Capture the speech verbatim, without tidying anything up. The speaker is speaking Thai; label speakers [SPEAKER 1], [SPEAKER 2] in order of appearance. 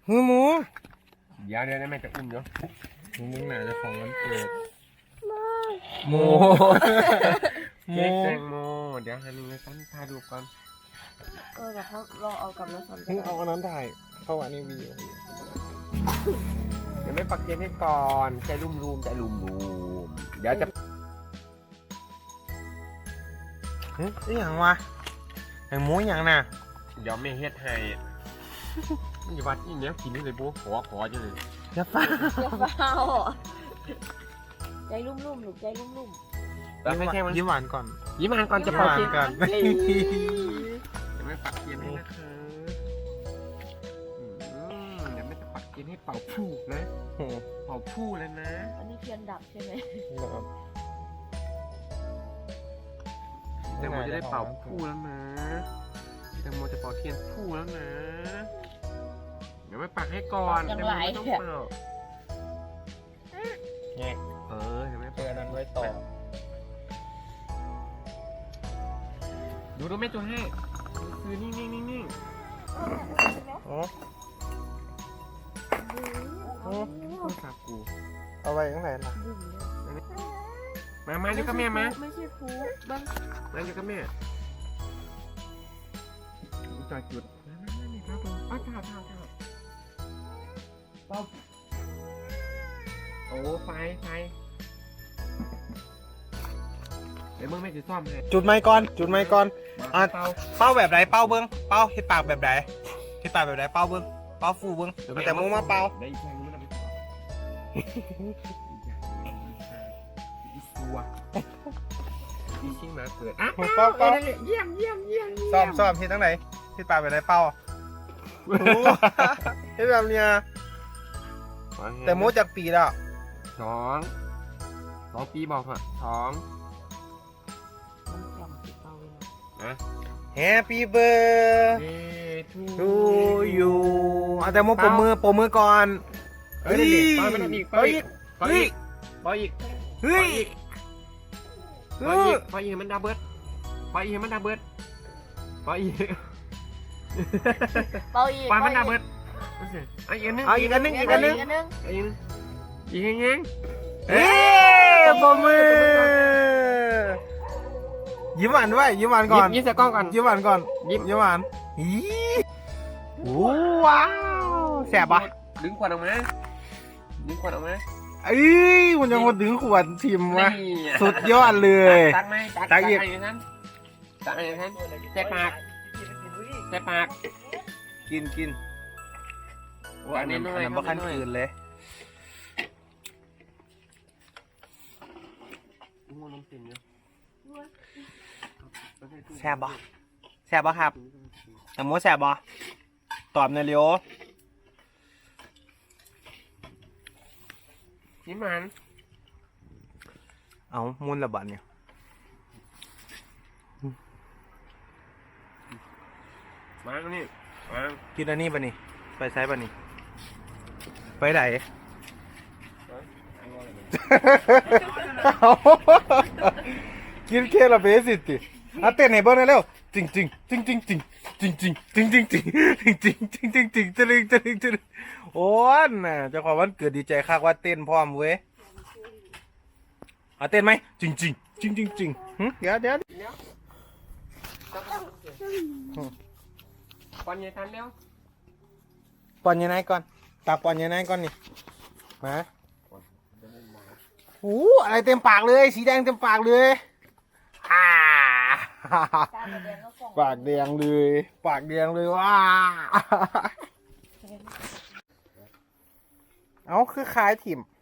[SPEAKER 1] หือหมู
[SPEAKER 2] เดี๋ยวเดี๋ยวแม่จะอุ้มเนาะ
[SPEAKER 1] มึงไหนจะของวันเกิดโมโม
[SPEAKER 2] เค้กแตงโมเดี๋ยวฮันนี่สั้นถ่ายรูปก่อน
[SPEAKER 3] เออแต่เขาลองเอากลับมาทำ
[SPEAKER 1] มึงเอาอันนั้นถ่ายเข้าอันนี้วีดีโอ
[SPEAKER 2] เดี๋ยวไม่ปักเทียนให้ก่อนใจรุ่มรูมใจรุ่มรูมเดี๋ยวจะ
[SPEAKER 1] เฮ้ยนี่อย่างวะแตงโมอย่างน่ะ
[SPEAKER 2] เดี๋ยวไม่เฮ็ดให้นี่วัดนี่เนี้ยกินนี่เลยบุ๊ขอขอจังเลย
[SPEAKER 1] อย่าฟ้า
[SPEAKER 3] อย่าเฝ้าใจรุ่มๆหนูใจรุ่ม
[SPEAKER 2] แล้วให้แค่มัน
[SPEAKER 1] ยิ้มหวานก่อน
[SPEAKER 2] ยิ้มอ่านก่อนจะ
[SPEAKER 1] ยิ้ม
[SPEAKER 2] เป่า
[SPEAKER 1] หวาน
[SPEAKER 2] เทียน
[SPEAKER 1] ก่อน
[SPEAKER 2] เดี๋ยวไม่ปักเทียนให้นะคะอืมเดี๋ยวไม่จะปักเทียนให้เป่าผู้นะเป่าผู้แล้วนะ
[SPEAKER 3] ๆอันนี้เทียนดับใช่ไหม
[SPEAKER 2] แตงโมจะได้เป่าผู้แล้วนะแตงโมจะเป่าเทียนผู้แล้วนะเดี๋ยวไม่ปักให้ก่อนแตงโมไม่ต้องเป่า
[SPEAKER 1] แง่
[SPEAKER 2] เออเดี๋ยวไม่
[SPEAKER 1] เจ
[SPEAKER 2] ปั
[SPEAKER 1] อก นั้นไว้ต่อ
[SPEAKER 2] ดูดูแม่ตัวให้คือนิ่งนิ่งนิ่งนิ่ง
[SPEAKER 1] อ๋อ
[SPEAKER 2] โอ้สากู
[SPEAKER 1] เอาไว้ข้างไหนล่ะ
[SPEAKER 3] ดื่มเลย
[SPEAKER 2] มามาอยู่กับแม่มา
[SPEAKER 3] ไม่ใช่ฟูบ้าง
[SPEAKER 2] มาอยู่กับแม่จอดจุดมามามานี่ครับผมอ้าวเท้าเท้าเท้าป๊อบโอ้ไฟไฟเดี๋ยวมึงไม่จะซ่อมให้
[SPEAKER 1] จุดไม้ก่อนจุดไม้ก่อน อ่ะ
[SPEAKER 2] เป่า
[SPEAKER 1] เป้าแบบไหนเป้าเบิ้งเป้าเฮ็ดปากแบบไหนเฮ็ดปากแบบไหนเป้าเบิ้งเป้าฟูเบิ้งแต่มูมาเป้า
[SPEAKER 2] ได้อีกแค่นี้มันไม่ต่ออีสัวอีชิงมาเกิดอ่ะ
[SPEAKER 1] เป้าเป้า
[SPEAKER 2] เยี่ยมเยี่ยมเยี่ยม
[SPEAKER 1] ซ้อมซ้อมเฮ็ดทั้งไหนเฮ็ดปากแบบไหนเป้าเฮ็ดแบบเนี้ยแต่มูจากปีแล้ว
[SPEAKER 2] สองสองปีบอกเถอะสอง
[SPEAKER 3] มันแข็งติดเตาเลยนะ
[SPEAKER 2] นะ
[SPEAKER 1] Happy birthday
[SPEAKER 2] ทู
[SPEAKER 1] to you เอาแต่มูปมมือปมมือก่อน
[SPEAKER 2] เฮ้ยปล่อยมันอีกปล่อยอีกปล่อยอีกปล่อยอีก
[SPEAKER 1] เฮ้ย
[SPEAKER 2] ปล่อยอีกปล่อยอีกมันดับเบิลปล่อยอีกมันดับเบิลปล่อยอีก
[SPEAKER 3] เป่าอีก
[SPEAKER 2] ปล่อยมันดับเบิลเอาอีกอันนึง
[SPEAKER 1] เอาอีกอันนึงอีกอันนึง
[SPEAKER 3] อีกอันนึง
[SPEAKER 2] อีกอีกแง่ง
[SPEAKER 1] เฮ้ยปมมือยิ้มหวานด้วยยิ้มหวานก่อน
[SPEAKER 2] ยิ้มใส่กล้องก่อน
[SPEAKER 1] ยิ้มหวานก่อน
[SPEAKER 2] ยิ้ม
[SPEAKER 1] ยิ้มหวานอีว้าวแสบปะ
[SPEAKER 2] ดึงขวดออกมาดึงขวดออกมา
[SPEAKER 1] เอ้ยมันยังมาดึงขวดชิมวะสุดยอดเลย
[SPEAKER 2] ตักไหมตัก
[SPEAKER 1] ตักอีก
[SPEAKER 2] อย่างนั้นตักอย่างนั้นใส่ปากใส่ปาก
[SPEAKER 1] กินกิน
[SPEAKER 2] หวานน้อย
[SPEAKER 1] อันนั้นบ่ขั้นคืนเลยแสบปะแสบปะครับแต่โมแสบปะตอบในอยเร็ว
[SPEAKER 2] นี่มัน
[SPEAKER 1] เอามุนระบาดเนี่ย
[SPEAKER 2] มาตรงนี้มา
[SPEAKER 1] กินอันนี้ปะนี่ไปใช้ปะนี่ไปไหน กินเคละเบสิติอ่ะเต้นให้เบิ่งหน่อยเร็วจริงจริงจริงจริงจริงจริงจริงจริงจริงจริงจริงจริงจริงจริงจริงจริงจริงจริงโอ้ยน่ะเจ้าของวันเกิดดีใจคักว่าเต้นพร้อมเว้ยอ่ะเต้นไหมจริงจริงจริงจริงจริงหึเดี๋ยวเดี๋ยว
[SPEAKER 2] ก่อนอย่าทันแล้ว
[SPEAKER 1] ปอนยังไงก่อนตาปอนยังไงก่อนนี่มาโอ้อะไรเต็มปากเลยสีแดงเต็มปากเลยอ่า
[SPEAKER 3] การแสดงก็ส่ง
[SPEAKER 1] ปากแดงเลยปากแดงเลยว้าเอาคือคล้ายถิ่ม